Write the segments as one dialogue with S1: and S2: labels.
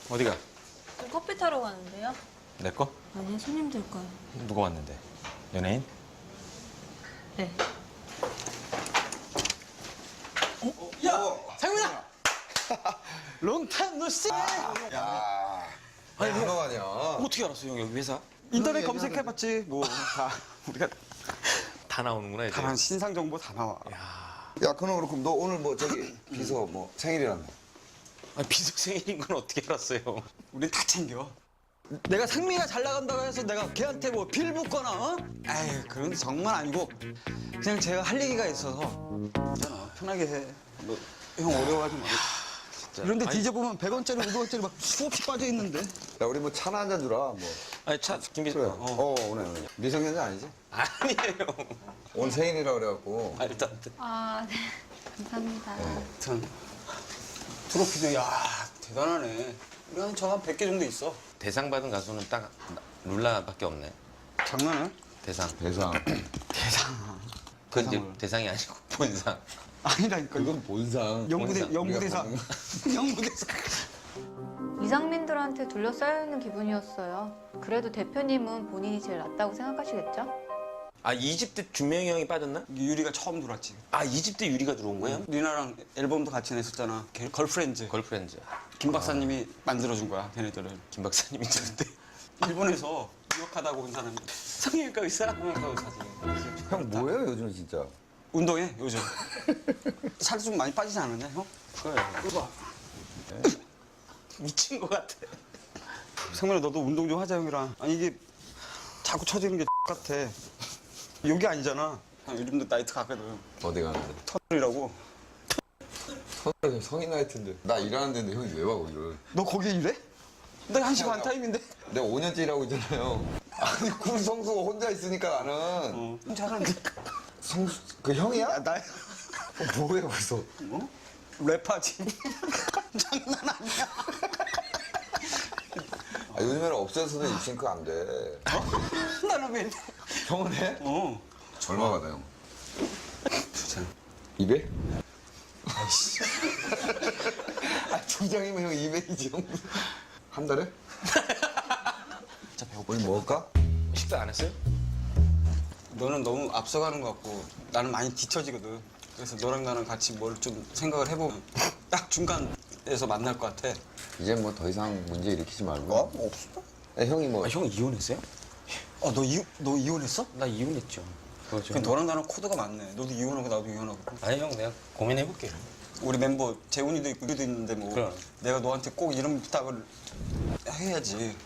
S1: 어디가?
S2: 저 커피 타러 가는데요?
S1: 내 거?
S2: 아니요, 손님들 거요.
S1: 누가 왔는데? 연예인?
S2: 네.
S3: 상민아! 롱타임 노씨!
S4: 야,
S1: 아니,
S4: 아니 너 아니야.
S1: 어떻게 알았어, 형? 여기 회사?
S3: 인터넷 검색해봤지. 뭐 다 우리가
S1: 다 나오는구나, 이제.
S3: 다른 신상 정보 다 나와.
S4: 야, 그럼 그렇고 너 오늘 뭐 저기 비서 뭐 생일이란다.
S1: 아니, 비서 생일인 건 어떻게 알았어요?
S3: 우린 다 챙겨. 내가 상미가 잘 나간다고 해서 내가 걔한테 뭐 빌 붙거나, 어? 에이, 그런 게 정말 아니고 그냥 제가 할 얘기가 있어서 괜찮아, 편하게 해. 뭐 형 어려워하지 마. 이런데
S1: 아니,
S3: 뒤져보면 100원짜리, 500원짜리 막 수없이 빠져있는데.
S4: 야, 우리 뭐 차나 한 잔 주라. 뭐.
S1: 아니, 김비서.
S4: 그래. 오늘 미성년자 아니지?
S1: 아니에요.
S4: 오늘 생일이라 그래갖고.
S1: 아, 일단.
S2: 아, 네. 감사합니다.
S3: 하여튼 트로피도 야 대단하네. 우리 한 저한 100개 정도 있어.
S1: 대상 받은 가수는 딱 룰라밖에 없네.
S3: 장난해?
S1: 대상.
S4: 대상.
S3: 대상.
S1: 그건 이제
S3: 대상을.
S1: 대상이 아니고 본상.
S3: 아니라니까.
S4: 이건 본상.
S3: 영부대사.
S4: 우리가
S3: 영부대사.
S5: 이상민들한테 둘러싸여 있는 기분이었어요. 그래도 대표님은 본인이 제일 낫다고 생각하시겠죠?
S1: 아, 2집 때 준명이 형이 빠졌나?
S3: 유리가 처음 들어왔지.
S1: 아, 2집 때 유리가 들어온 거예요?
S3: 리나랑 앨범도 같이 냈었잖아. 걸프렌즈.
S1: 걸프렌즈.
S3: 김 박사님이 만들어준 거야, 걔네들을.
S1: 김 박사님이 있는데.
S3: 일본에서 유학하다고 온 사람이.
S1: 성형외과 의사?
S3: 성형외과 의사지.
S4: 형 뭐예요 요즘 진짜?
S3: 운동해, 요즘. 살 좀 많이 빠지지 않았냐, 형?
S1: 그래.
S3: 이거 봐.
S1: 미친 것 같아.
S3: 상민아, 너도 운동 좀 하자, 형이랑. 아니, 이게 자꾸 처지는 게 같아. 여기 아니잖아. 요즘도 나이트 가거든.
S4: 어디 가는데?
S3: 터널이라고.
S4: 서울 성인 나이트인데. 나 일하는 데인데 형이 왜 와 거기를?
S3: 너 거기 일해? 나 1시 반 타임인데.
S4: 내가 5년째 일하고 있잖아요. 아니 군 성수가 혼자 있으니까 나는.
S3: 잘하는데.
S4: 성수 그 형이야?
S3: 야, 나
S4: 뭐해 거기서?
S3: 어? 랩하지. 장난 아니야.
S4: 아, 요즘에는 업체에서도 입싱크 안 돼.
S3: 나는 왜?
S4: 형은 해?
S3: 어.
S4: 얼마 받아 형?
S3: 주장.
S4: 200? 아이씨. 아, 두 장이면 형 200이지 형. 한 달에?
S3: 진짜 배고파.
S4: 우리 먹을까?
S1: 식사 안 했어요?
S3: 너는 너무 앞서가는 것 같고 나는 많이 뒤처지거든. 그래서 너랑 나랑 같이 뭘 좀 생각을 해보면 딱 중간에서 만날 것 같아.
S4: 이제 뭐 더 이상 문제 일으키지 말고.
S3: 없어.
S4: 야, 형이 뭐
S1: 아, 형 이혼했어요?
S3: 너 이혼했어?
S1: 나 이혼했죠. 그거죠.
S3: 그 너랑 나랑 코드가 맞네. 너도 이혼하고 나도 이혼하고.
S1: 아니, 형, 내가 고민해볼게요.
S3: 우리 멤버 재훈이도 있고 우리도 있는데 뭐
S1: 그럼.
S3: 내가 너한테 꼭 이런 부탁을 해야지.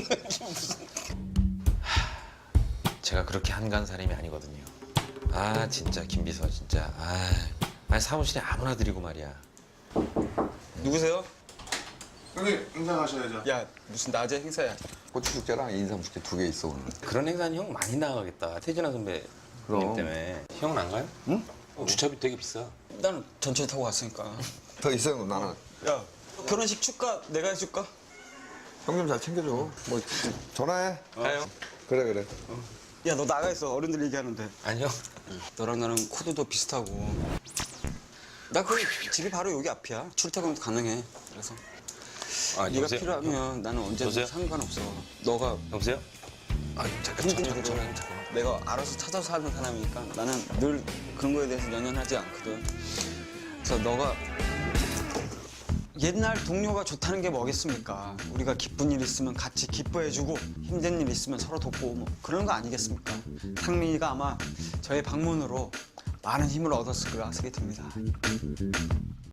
S1: 제가 그렇게 한간 사람이 아니거든요. 아, 진짜 김비서 진짜. 아니 사무실에 아무나 드리고 말이야.
S3: 누구세요?
S6: 형님 인사하셔야죠.
S3: 야 무슨 낮에 행사야.
S4: 고추 숙제랑 인삼 숙제 2개 있어 오늘.
S1: 그런 행사는 형 많이 나가겠다. 태진아 선배님
S4: 그럼.
S1: 때문에. 형은 안 가요?
S3: 응?
S1: 주차비 되게 비싸.
S3: 나는 전철 타고 왔으니까.
S4: 더 있어요 나는.
S3: 야 결혼식 축가 내가 해줄까?
S4: 형 좀 잘 챙겨줘. 뭐 전화해.
S1: 가요?
S4: 그래 그래.
S3: 야 너 나가 있어. 어른들 얘기하는데.
S1: 아니요.
S3: 너랑 나랑 코드도 비슷하고. 나 그 집이 바로 여기 앞이야. 출퇴근도 가능해. 그래서
S1: 아,
S3: 네가
S1: 여보세요?
S3: 필요하면 나는 언제든
S1: 여보세요?
S3: 상관없어. 너가
S1: 여보세요? 아, 잠깐
S3: 힘든 일을 내가 알아서 찾아서 하는 사람이니까 나는 늘 그런 거에 대해서 연연하지 않거든. 그래서 너가 옛날 동료가 좋다는 게 뭐겠습니까? 우리가 기쁜 일 있으면 같이 기뻐해주고 힘든 일 있으면 서로 돕고 뭐 그런 거 아니겠습니까? 상민이가 아마 저의 방문으로 많은 힘을 얻었을 거라 생각이 듭니다.